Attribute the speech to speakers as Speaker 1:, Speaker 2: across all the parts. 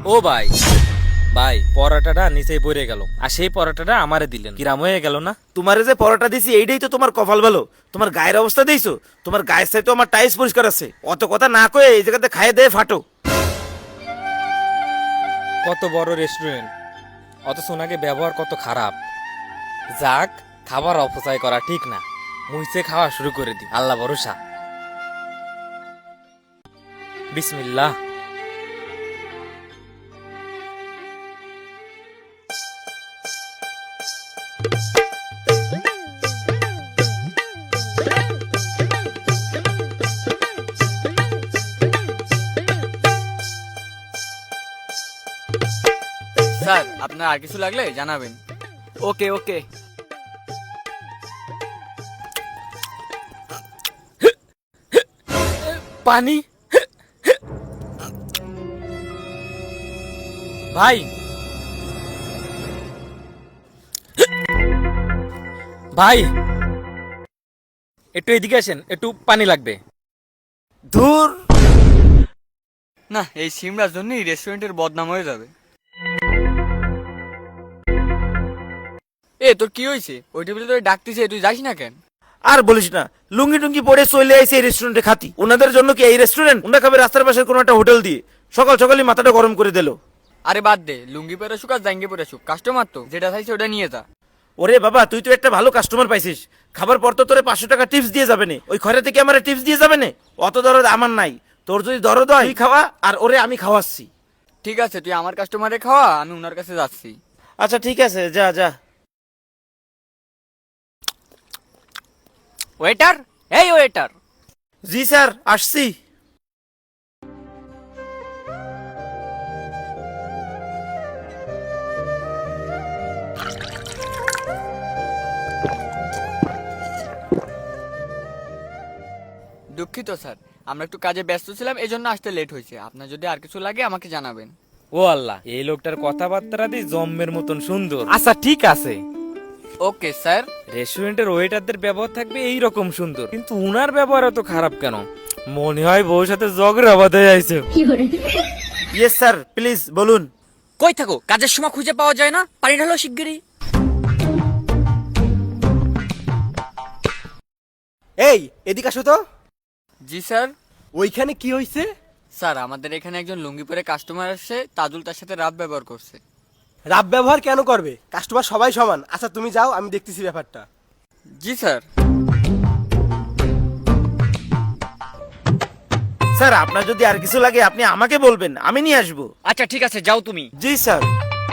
Speaker 1: ও ভাই ভাই পরোটাটা নিচেই পড়ে গেল আর সেই পরোটাটা আমারে দিলেন কিরাম হয়ে গেল না?
Speaker 2: তোমারে যে পরোটা দিছি এইটাই তো তোমার কপাল ভালো। তোমার গায়ের অবস্থা দিয়েছো, তোমার গায়ের সাথে আমার টাইস পরিষ্কার আছে। অত কথা না কয়ে এই জায়গাতে খাইয়ে দিয়ে ফাটো।
Speaker 1: কত বড় রেস্টুরেন্ট অথচ ওনাকে ব্যবহার কত খারাপ। যাক, খাবার অপচয় করা ঠিক না, মুইসে খাওয়া শুরু করে দি, আল্লাহ ভরসা। বিসমিল্লাহ।
Speaker 3: স্যার আপনার আর কিছু লাগলে জানাবেন।
Speaker 4: ওকে ওকে।
Speaker 1: পানি। ভাই ভাই একটু এদিকে আসেন, একটু পানি লাগবে।
Speaker 2: ধুর,
Speaker 3: না, এই সিমরার জন্যই রেস্টুরেন্টের বদনাম হয়ে যাবে। তোর কি হয়েছে? ওই টেবিলে তোর ডাকতেছে, তুই যাস না কেন?
Speaker 2: আর বলিস না, লুঙ্গি টুঙ্গি পরে চলে আইছে এই রেস্টুরেন্টে খাতি। ওনাদের জন্য কি এই রেস্টুরেন্ট? ওনা খাবে রাস্তার পাশের কোনো একটা হোটেল দিয়ে। সকাল সকালই মাথাটা গরম করে দিল।
Speaker 3: আরে বাদ দে, লুঙ্গি পরে শুক আর জাঙ্গি পরে শুক, কাস্টমার তো যেটা চাইছে ওটা নিয়ে যা।
Speaker 2: ওরে বাবা, তুই তো একটা ভালো কাস্টমার পাইছিস। খাবার পর তো তোরে 500 টাকা টিপস দিয়ে যাবে না। ওই খরে থেকে আমার টিপস দিয়ে যাবে না? অত দরদ আমার নাই। তোর যদি দরদ হয় তুই খাওয়া, আর ওরে আমি খাওয়াচ্ছি।
Speaker 3: ঠিক আছে, তুই আমার কাস্টমারে খাওয়া, আমি ওনার কাছে যাচ্ছি।
Speaker 2: আচ্ছা ঠিক আছে, যা যা।
Speaker 4: ওয়েটার, এই ওয়েটার।
Speaker 2: জি স্যার, আসছি।
Speaker 3: দুঃখিত স্যার, আমরা একটু কাজে ব্যস্ত ছিলাম, এই জন্য আসতে লেট হয়েছে। আপনার যদি আর কিছু লাগে আমাকে জানাবেন।
Speaker 1: ও আল্লাহ, এই লোকটার কথাবার্তা দি জম্মের মতন সুন্দর। আচ্ছা ঠিক আছে,
Speaker 3: ওকে স্যার।
Speaker 1: রেস্টুরেন্টের ওয়েটারদের ব্যবহার থাকবে এই রকম সুন্দর, কিন্তু উনার ব্যবহার এত খারাপ কেন? মনে হয় বউর সাথে ঝগড়া বাঁধে আইছে।
Speaker 2: ইয়েস স্যার, প্লিজ বলুন।
Speaker 4: কই থাকো? কাজের সময় খুঁজে পাওয়া যায় না? পানি ঢালো শিগগিরই।
Speaker 5: এই এদিকে আসো তো।
Speaker 3: জি স্যার।
Speaker 5: ওইখানে কি হয়েছে?
Speaker 3: স্যার আমাদের এখানে একজন লুঙ্গি পরে কাস্টমার আসছে, তাজুল তার সাথে রাত ব্যবহার করছে।
Speaker 5: রাব ব্যবহার কেন করবে? কাস্টমার সবাই সমান। আচ্ছা তুমি যাও, আমি দেখতেছি ব্যাপারটা।
Speaker 3: জি স্যার।
Speaker 2: স্যার, আপনার যদি আর কিছু লাগে আপনি আমাকে বলবেন, আমি নিয়ে আসবো।
Speaker 4: আচ্ছা ঠিক আছে, যাও তুমি।
Speaker 2: জি স্যার।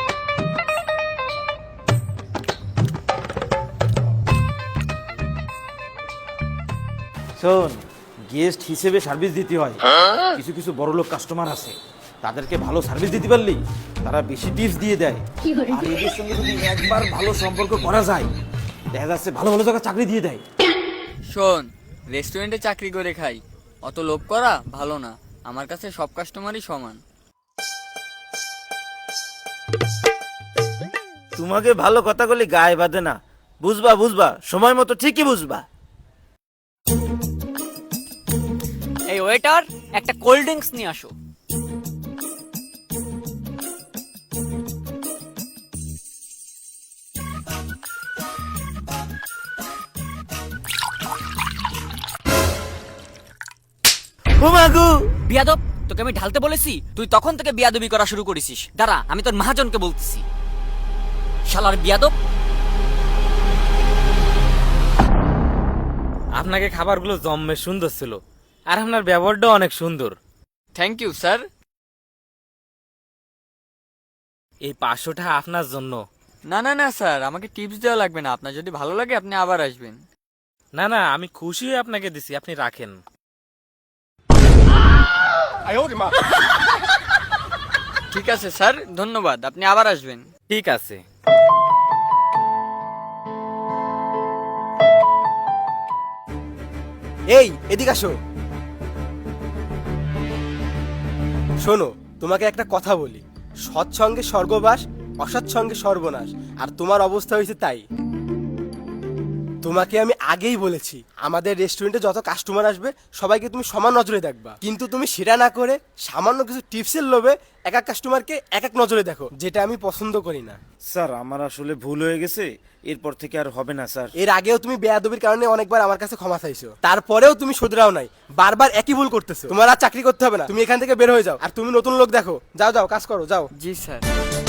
Speaker 2: শোন, গেস্ট হিসেবে সার্ভিস দিতে হয়। কিছু কিছু বড় লোক কাস্টমার আছে, তাদেরকে ভালো সার্ভিস দিতে পারলি তারা বেশি টিপস দিয়ে দেয়। আর এদের সঙ্গে যদি একবার ভালো সম্পর্ক করা যায়, দেখা যাচ্ছে ভালো ভালো জায়গায় চাকরি দিয়ে দেয়।
Speaker 3: শোন, রেস্টুরেন্টে চাকরি করে খাই, অত লোভ করা ভালো না। আমার কাছে সব কাস্টমারই সমান।
Speaker 2: তোমাকে ভালো কথা বলি গায়ে বাঁধে না। বুঝবা বুঝবা, সময় মতো ঠিকই বুঝবা।
Speaker 4: এই ওয়েটার, একটা কোল্ড ড্রিঙ্কস নিয়ে আসো।
Speaker 2: ও মাগো!
Speaker 4: বিয়াদব, তোকে আমি ঢালতে বলেছি, তুই তখন থেকে বিয়াদবি করা শুরু করেছিস। দাঁড়া, আমি তোর মহাজনকে বলতেছি। শালার বিয়াদব।
Speaker 1: আপনাকে খাবারগুলো জম্মের সুন্দর ছিল, আর আপনার ব্যবহারটাও অনেক সুন্দর।
Speaker 3: Thank you sir.
Speaker 1: এই 500 টাকা আপনার জন্য।
Speaker 3: না না না স্যার, আমাকে টিপস দেওয়া লাগবে না। আপনার যদি ভালো লাগে আপনি আবার আসবেন।
Speaker 1: না না, আমি খুশি হয়ে আপনাকে দিছি, আপনি রাখেন।
Speaker 3: ঠিক আছে স্যার, ধন্যবাদ, আপনি আবার আসবেন।
Speaker 1: ঠিক আছে।
Speaker 5: এই এদিকে আসো। শোনো, তোমাকে একটা কথা বলি। সৎসঙ্গে স্বর্গবাস, অসৎসঙ্গে সর্বনাশ। আর তোমার অবস্থা হয়েছে তাই। তোমাকে আমি আগেই বলেছি আমাদের রেস্টুরেন্টে যত কাস্টমার আসবে সবাইকে তুমি সমান নজরে দেখবা, কিন্তু তুমি সেটা না করে সামান্য কিছু টিপসের লোভে এক এক কাস্টমারকে এক এক নজরে দেখো, যেটা আমি পছন্দ করি না।
Speaker 2: স্যার আমার আসলে ভুল হয়ে গেছে, এরপর থেকে আর হবে না স্যার।
Speaker 5: এর আগেও তুমি বেয়াদবির কারণে অনেকবার আমার কাছে ক্ষমা চাইছো, তারপরেও তুমি শুধরাও নাই, বারবার একই ভুল করতেছো। তোমার আর চাকরি করতে হবে না, তুমি এখান থেকে বের হয়ে যাও, আর তুমি নতুন লোক দেখো। যাও যাও, কাজ করো, যাও।
Speaker 3: জি স্যার।